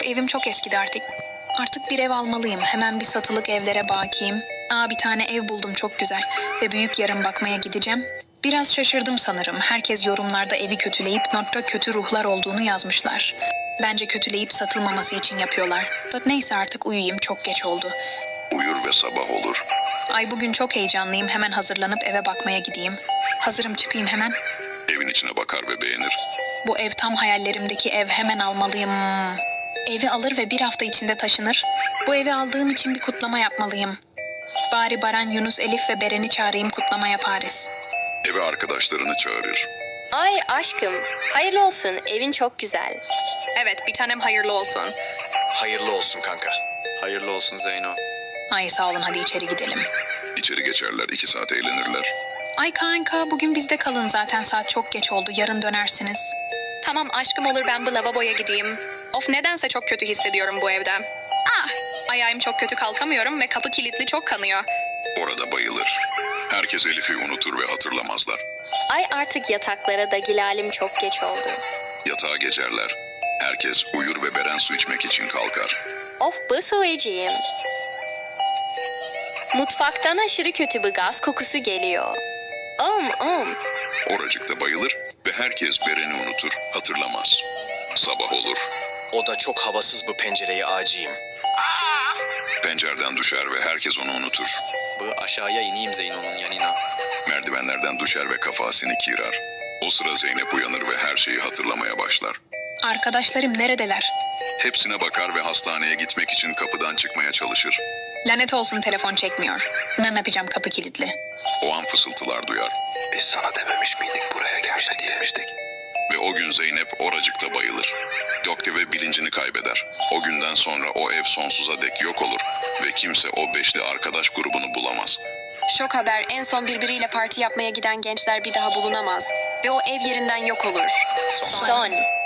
Evim çok eskidi artık. Artık bir ev almalıyım. Hemen bir satılık evlere bakayım. Bir tane ev buldum çok güzel. Ve büyük yarın bakmaya gideceğim. Biraz şaşırdım sanırım. Herkes yorumlarda evi kötüleyip notta kötü ruhlar olduğunu yazmışlar. Bence kötüleyip satılmaması için yapıyorlar. Neyse artık uyuyayım, çok geç oldu. Uyur ve sabah olur. Bugün çok heyecanlıyım. Hemen hazırlanıp eve bakmaya gideyim. Hazırım, çıkayım hemen. Evin içine bakar ve beğenir. Bu ev tam hayallerimdeki ev. Hemen almalıyım. Evi alır ve bir hafta içinde taşınır. Bu evi aldığım için bir kutlama yapmalıyım. Bari Baran, Yunus, Elif ve Beren'i çağırayım, kutlama yaparız. Eve arkadaşlarını çağırır. Ay aşkım, hayırlı olsun, evin çok güzel. Evet, bir tanem hayırlı olsun. Hayırlı olsun kanka. Hayırlı olsun Zeyno. Ay sağ olun, hadi içeri gidelim. İçeri geçerler, 2 saat eğlenirler. Ay kanka, bugün bizde kalın zaten, saat çok geç oldu, yarın dönersiniz. Tamam aşkım, olur, ben bir lavaboya gideyim. Of, nedense çok kötü hissediyorum bu evde. Ayağım çok kötü, kalkamıyorum ve kapı kilitli, çok kanıyor. Orada bayılır. Herkes Elif'i unutur ve hatırlamazlar. Ay artık yataklara da Gilalim, çok geç oldu. Yatağa geçerler. Herkes uyur ve Beren su içmek için kalkar. Of bu söyleyeceğim. Mutfaktan aşırı kötü bir gaz kokusu geliyor. Oracıkta bayılır ve herkes Beren'i unutur, hatırlamaz. Sabah olur. O da çok havasız bu pencereyi acıyım. Pencereden düşer ve herkes onu unutur. Bu aşağıya ineyim Zeyno'nun yanına. Merdivenlerden düşer ve kafasını kirar. O sıra Zeynep uyanır ve her şeyi hatırlamaya başlar. Arkadaşlarım neredeler? Hepsine bakar ve hastaneye gitmek için kapıdan çıkmaya çalışır. Lanet olsun, telefon çekmiyor. Ne yapacağım, kapı kilitli. O an fısıltılar duyar. Biz sana dememiş miydik buraya gelme diye? Ve o gün Zeynep oracıkta bayılır. Gökte ve bilincini kaybeder. O günden sonra o ev sonsuza dek yok olur ve kimse o beşli arkadaş grubunu bulamaz. Şok haber, en son birbiriyle parti yapmaya giden gençler bir daha bulunamaz. Ve o ev yerinden yok olur. Son.